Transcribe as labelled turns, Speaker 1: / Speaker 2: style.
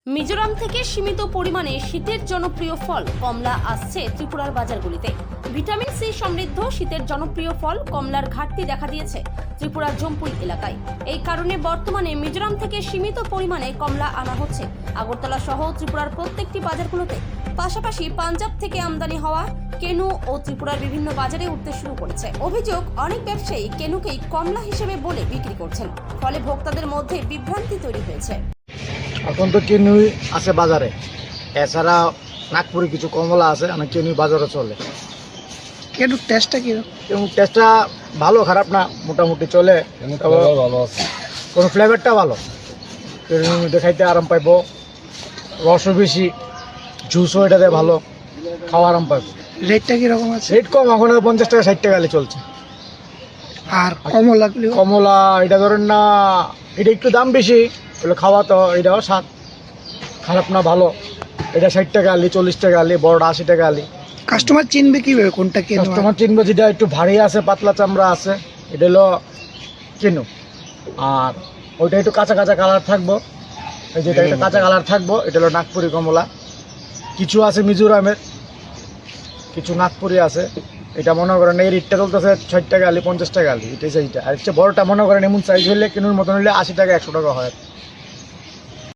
Speaker 1: মিজোরাম থেকে সীমিত পরিমাণে শীতের জনপ্রিয় ফল কমলা আসছে ত্রিপুরার বাজারগুলিতে। ভিটামিন সি সমৃদ্ধ শীতের জনপ্রিয় ফল কমলার ঘাটতি দেখা দিয়েছে ত্রিপুরার জম্পুই এলাকায়। এই কারণে বর্তমানে মিজোরাম থেকে সীমিত পরিমাণে কমলা আনা হচ্ছে আগরতলা সহ ত্রিপুরার প্রত্যেকটি বাজারগুলোতে। পাশাপাশি পাঞ্জাব থেকে আমদানি হওয়া কেনু ও ত্রিপুরার বিভিন্ন বাজারে উঠতে শুরু করেছে। অভিযোগ, অনেক ব্যবসায়ী কেনুকেই কমলা হিসেবে বলে বিক্রি করছেন, ফলে ভোক্তাদের মধ্যে বিভ্রান্তি তৈরি হয়েছে।
Speaker 2: এখন তো কেনুই আছে বাজারে, এছাড়া নাগপুরে কিছু কমলা আছে, অনেক কেনুই বাজারে চলে।
Speaker 3: কেন টেস্টটা কিরকম?
Speaker 2: এবং টেস্টটা ভালো খারাপ না, মোটামুটি চলে। কোনো ফ্লেভারটা ভালো, কেনুর মধ্যে খাইতে আরাম পাইব, রসও বেশি, জুসও এটাতে ভালো, খাওয়া আরাম পাইব।
Speaker 3: রেটটা কিরকম আছে?
Speaker 2: রেট কম, এখন 50 টাকা 60 টাকা চলছে।
Speaker 3: আর কমলাগুলো?
Speaker 2: কমলা এটা ধরেন না, এটা একটু দাম বেশি, বলে খাওয়া তো এটাও স্বাদ খারাপ না, ভালো। এটা 60 টাকা আলি, 40 টাকা আলি, বড়টা 80 টাকা আলি।
Speaker 3: কাস্টমার চিনবে কিভাবে কোনটা কেন?
Speaker 2: কাস্টমার চিনবে যেটা একটু ভারী আছে, পাতলা চামড়া আছে, এটা হলো কেনু। আর ওইটা একটু কাঁচা কাঁচা কালার থাকবো, এই যেটা একটু কাঁচা কালার থাকবো, এটা হলো নাগপুরি কমলা। কিছু আছে মিজোরামের, কিছু নাগপুরি আছে। এটা মনে করেন এই রেটটা চলতেছে 60 টাকা আলি, 50 টাকা আলি, এটাই সেইটা। আর হচ্ছে বড়টা মনে করেন এমন সাইজ হলে কেনুর মতন হলে 80 টাকা 100 টাকা হয়।